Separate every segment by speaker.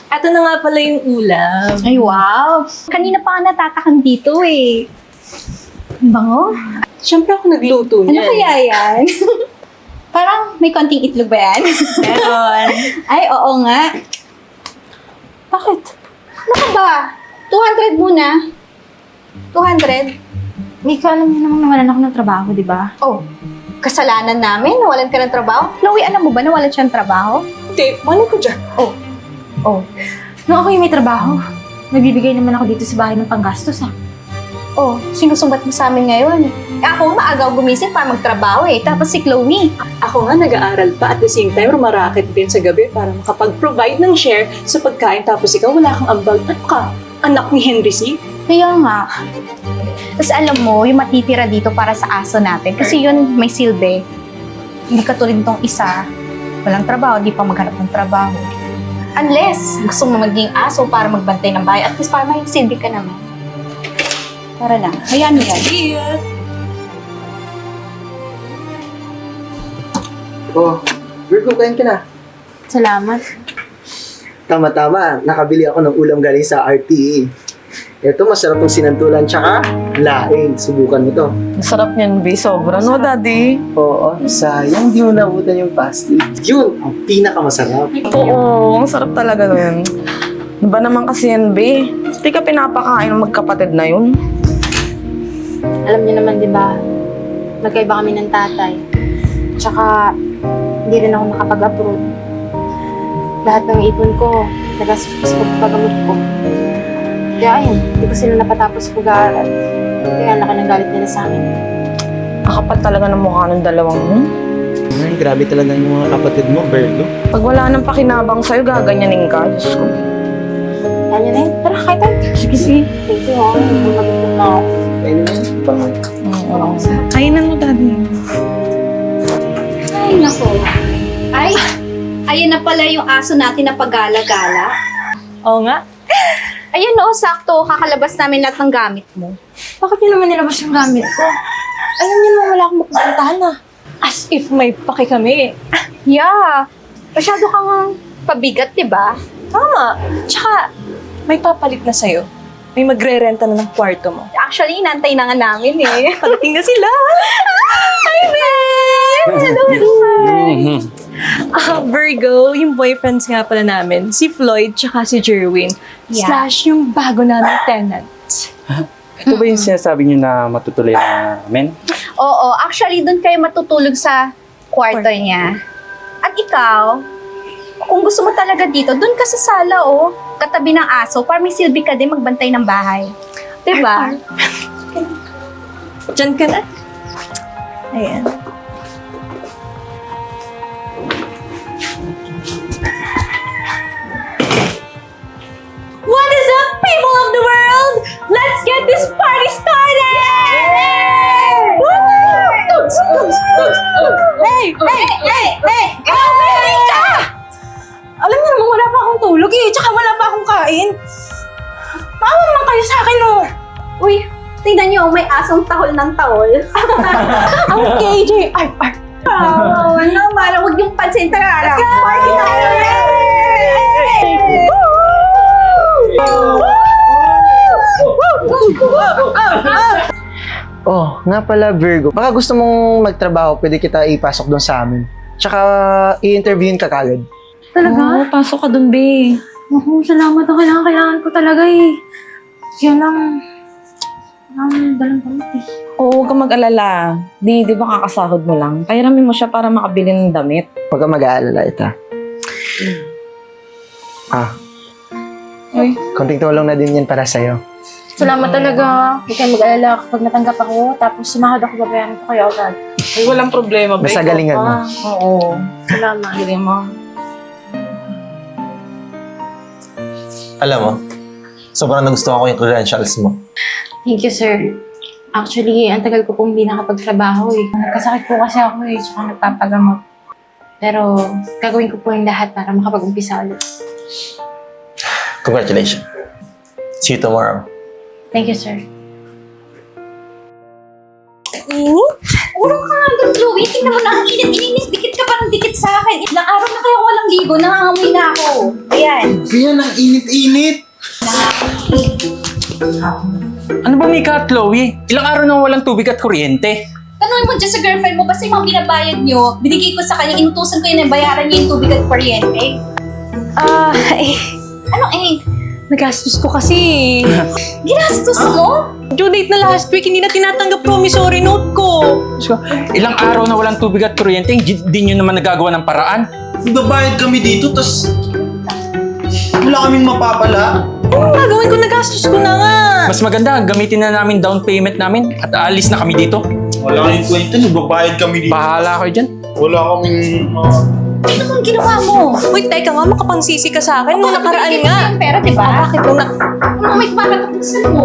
Speaker 1: Eto na nga pala yung ulam.
Speaker 2: Ay, wow! Kanina pa nga natatakam dito eh. Ang bango.
Speaker 1: Siyempre ako nagluto
Speaker 2: Ano
Speaker 1: niyan.
Speaker 2: kaya yan? Parang may konting itlog ba yan?
Speaker 1: Meron.
Speaker 2: Ay, oo nga. Bakit? Ano ka ba? 200 muna. 200?
Speaker 3: Mika, alam mo namang nawalan ako ng trabaho, di ba?
Speaker 2: Oh, kasalanan namin? Nawalan ka ng trabaho? Chloe, alam mo ba nawalan siya ng trabaho?
Speaker 1: Hindi, mali ko dyan.
Speaker 2: Oh.
Speaker 3: Nung ako yung may trabaho, nagbibigay naman ako dito sa bahay ng panggastos, ha?
Speaker 2: Oh, sinusumbat mo sa amin ngayon. Ako, maaga gumising para magtrabaho eh. Tapos si Chloe.
Speaker 1: Ako nga nag-aaral pa at the same time rumaraket din sa gabi para makapag-provide ng share sa pagkain tapos ikaw wala kang ambag. Ano ka? Anak ni Henry C?
Speaker 3: Kaya nga,
Speaker 2: Tapos alam mo, yung matitira dito para sa aso natin. Kasi yun may silbi. Hindi katulad nitong isa. Walang trabaho, di pa maghanap ng trabaho. Unless gusto mo maging aso para magbantay ng bahay. At least para may silbi ka naman. Para lang. Hayaan mo yan.
Speaker 1: Yeah.
Speaker 4: Oh, Virgo, kain ka na.
Speaker 3: salamat.
Speaker 4: Tama-tama, nakabili ako ng ulam galing sa RTE. Ito, masarap yung sinantulan, tsaka laing. Subukan mo to.
Speaker 5: Masarap niyan, B. Sobra, no, Daddy?
Speaker 4: Oo, sayang di mo nabutan yung pasty. Yun, ang pinakamasarap.
Speaker 5: Oo, ang sarap talaga nun. Iba naman kasi yan, B. Hindi ka pinapakain ng magkapatid na yun.
Speaker 3: Alam niyo naman, di ba, magkaiba kami ng tatay. Tsaka, hindi rin ako nakapag-approve. Lahat ng ipon ko, nagastos ko sa pagpagamot ko. Kaya ayun, hindi ko sila napatapos pag-aaral. Kaya ang laki ng galit nila sa akin.
Speaker 5: Nakapal talaga ng mukha ng dalawang mo.
Speaker 4: Ay, grabe talaga yung mga kapatid mo, Virgo.
Speaker 5: Pag wala nang pakinabang sa'yo, gaganyanin ka. Diyos ko.
Speaker 3: Yan yun eh. Tara, kahit tayo.
Speaker 5: Sige, sige.
Speaker 3: Thank you, ha. Nagpapagod na ako.
Speaker 4: Ayun na yun, bangal.
Speaker 5: Oo. Kainan mo, Daddy.
Speaker 2: Ay, nako. Ay, ayun na pala yung aso natin na paggala-gala.
Speaker 1: Oo nga.
Speaker 2: Ayun no, sakto. Kakalabas namin lahat ng gamit mo.
Speaker 3: Bakit niyo naman nilabas yung gamit ko? Alam niyo naman wala akong mapupuntahan, ha.
Speaker 1: As if may paki kami.
Speaker 2: Yeah. Masyado kang pabigat, di ba?
Speaker 1: Tama. Tsaka, may papalit na sa'yo. May magre-renta na ng kwarto mo.
Speaker 2: Actually, inantay na nga namin eh.
Speaker 1: Palating na sila. Hi, babe! Hello, hello. Virgo, yung boyfriends nga pala namin, si Floyd tsaka si Jerwin.
Speaker 2: Yeah.
Speaker 1: Slash yung bago namin tenant.
Speaker 6: Ito ba yung sinasabi niyo na matutuloy namin?
Speaker 2: Oo, actually, doon kayo matutulog sa kwarto niya. At ikaw, kung gusto mo talaga dito, doon ka sa sala, oh. Katabi ng aso, para may silbi ka din magbantay ng bahay. Diba?
Speaker 1: Diyan ka na. Ayan. What is up, people of the world? Let's get this party started! Woo! Hey! America!
Speaker 3: Alam niyo naman wala pa akong tulog eh. Tsaka wala pa akong kain. Maawa naman kayo sa akin, oh.
Speaker 2: Uy, tingnan niyo, may asong tahol ng tahol.
Speaker 3: Ang KJ. Ay.
Speaker 2: Oh, ano, mara, huwag yung pansin talaga. Let's go! Party tayo!
Speaker 4: Oh, nga pala, Virgo. Baka gusto mong magtrabaho, pwede kita ipasok doon sa amin. Tsaka, i-interviewin ka kagad.
Speaker 3: Talaga?
Speaker 5: Oo, pasok ka dun, B.
Speaker 3: Naku, salamat. Kailangan ko talaga eh. Yan lang. Dalang kamot eh.
Speaker 5: Oo, huwag kang mag-alala. Di ba kakasahod mo lang? Pairamin mo siya para makabili ng damit.
Speaker 4: Huwag kang mag-aalala, ita.
Speaker 5: Uy.
Speaker 4: Konting tulong na din yan para sa'yo.
Speaker 3: Salamat talaga. Huwag kayong mag-alala kapag natanggap ako. Tapos sumahod ako, babayaran ko kayo agad.
Speaker 5: Ay, walang problema, B.
Speaker 4: Basta galingan mo.
Speaker 5: Oo.
Speaker 3: Salamat.
Speaker 5: Galing mo.
Speaker 7: Alam mo, sobrang nagustuhan ko yung credentials mo.
Speaker 3: Thank you, sir. Actually, ang tagal ko pong hindi nakapagtrabaho eh. Nagkasakit po kasi ako eh, tsaka nagpapagamot. Pero gagawin ko po yung lahat para makapag-umpisa ulit.
Speaker 7: Congratulations. See you tomorrow.
Speaker 3: Thank you, sir.
Speaker 2: Urong ka nga doon, Chloe. Tingnan mo na ang init. Ininis. Dikit ka parang dumidikit sa akin. Ilang araw na kayo walang ligo, nangangamoy na ako. Ayan.
Speaker 7: Kaya ang init-init.
Speaker 6: Ano ba, Mika at Chloe? Ilang araw nang walang tubig at kuryente.
Speaker 2: Tanungin mo dyan sa girlfriend mo, basta yung mga binabayad nyo, binigay ko sa kanya, inutusan ko yun na bayaran niya yung tubig at kuryente. Ano eh?
Speaker 1: Nagastos ko kasi.
Speaker 2: Ginastos mo?
Speaker 1: Due date na last week, hindi na tinatanggap promissory note ko.
Speaker 6: So, ilang araw na walang tubig at kuryente, di nyo naman nagagawa ng paraan.
Speaker 7: Babayad kami dito, tas wala kaming mapapala.
Speaker 1: Ano gagawin ko? Nagastos ko na nga.
Speaker 6: Mas maganda, gamitin na namin down payment namin at aalis na kami dito.
Speaker 7: Wala kaming kwenta, nagbabayad kami dito.
Speaker 6: Bahala kayo dyan.
Speaker 7: Wala kaming...
Speaker 2: Ano naman ginawa mo?
Speaker 1: Wait, teka nga, makapangsisi ka sa akin. Nung nakaraan
Speaker 2: Binigay ko
Speaker 1: nga.
Speaker 2: na yung pera, di ba?
Speaker 1: Bakit nung
Speaker 2: Ano may kumakapagusan mo?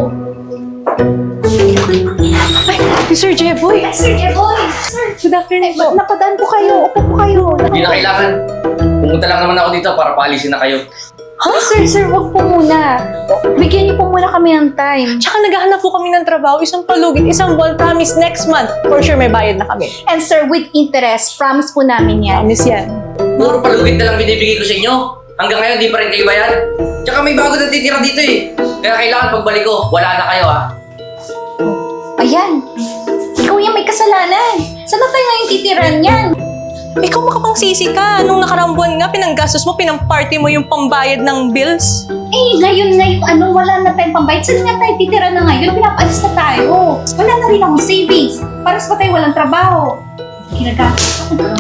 Speaker 1: Ay, Sir Jeboy.
Speaker 2: Sir Jeboy! Sir,
Speaker 1: Good afternoon po.
Speaker 2: napadaan po kayo. Upo po kayo.
Speaker 8: Hindi na kailangan. Pumunta lang naman ako dito para paalisin na kayo.
Speaker 2: Sir, wag po muna. Bigyan niyo po muna kami ng time.
Speaker 1: Tsaka naghahanap po kami ng trabaho. Isang palugit, isang buwan. Promise, next month. For sure, may bayad na kami.
Speaker 2: And sir, with interest, promise po namin yan.
Speaker 1: Promise yan.
Speaker 8: Puro palugit na lang binibigay ko sa inyo. Hanggang ngayon, di pa rin kayo bayad. Tsaka may bago na titira dito eh. Kaya kailangan pagbalik ko, wala na kayo ha.
Speaker 2: Ayan. Ikaw yung may kasalanan. Saan na tayo ngayon titiran yan?
Speaker 1: Ikaw makapangsisi ka. Nung nakaraang buwan nga, pinanggastos mo, pinamparty mo yung pambayad ng bills.
Speaker 2: Eh, ngayon na yung wala na tayong pambayad. Saan nga tayo titira na ngayon? Pinapaalis na tayo. Wala na rin akong savings. Paras pa tayo walang trabaho. Ginagastos ako ng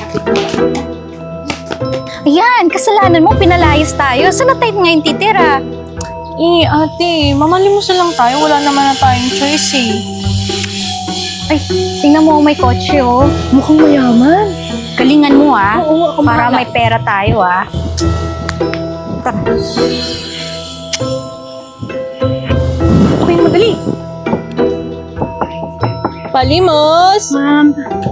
Speaker 2: Ayan, kasalanan mo, pinalayas tayo. Saan na tayo ngayon titira?
Speaker 1: Ate, mamalimos na lang tayo. Wala naman na tayong choice eh.
Speaker 2: Ay, tingnan mo, may kotse oh.
Speaker 1: Mukhang mayaman.
Speaker 2: Galingan mo ah.
Speaker 1: Oo, ako
Speaker 2: Para
Speaker 1: bahala.
Speaker 2: may pera tayo ah.
Speaker 1: Okay, madali. Palimos!
Speaker 2: Ma'am.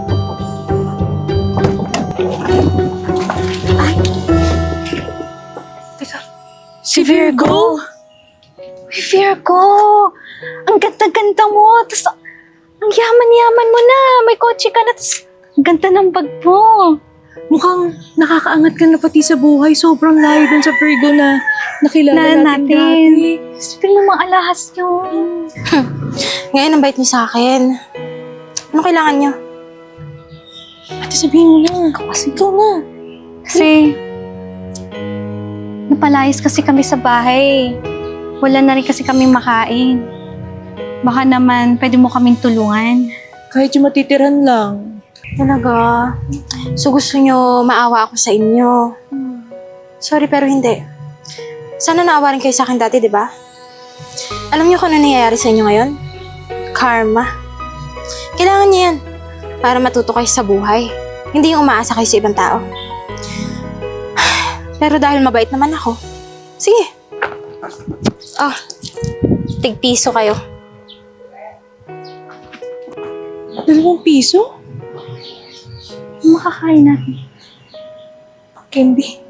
Speaker 1: Si Virgo!
Speaker 2: Uy, Virgo! Ang ganda-ganda mo! Tapos, ang yaman-yaman mo na! May kotse ka na! Tapos, ang ganda ng bag mo!
Speaker 1: Mukhang nakakaangat ka na pati sa buhay. Sobrang layo dun sa Virgo na nakilala natin dati.
Speaker 2: Sabi ng mga alahas nyo.
Speaker 3: Ngayon, ang bait niyo sa akin. Ano kailangan niyo?
Speaker 1: Ate, sabihin mo na. Ikaw na.
Speaker 2: Kasi, napalayas kasi kami sa bahay. Wala na rin kasi kami makain. Baka naman, pwede mo kaming tulungan.
Speaker 1: Kahit yung matitiran lang.
Speaker 3: Talaga? So gusto niyo maawa ako sa inyo? Sorry, pero hindi. Sana naawa rin kayo sa akin dati, di ba? Alam niyo kung ano nangyayari sa inyo ngayon? Karma. Kailangan niyo yan para matuto kayo sa buhay. Hindi yung umaasa kayo sa ibang tao. Pero dahil mabait naman ako, sige. Oh, tig-piso kayo.
Speaker 1: 2 piso?
Speaker 2: Makakain natin.
Speaker 1: Candy.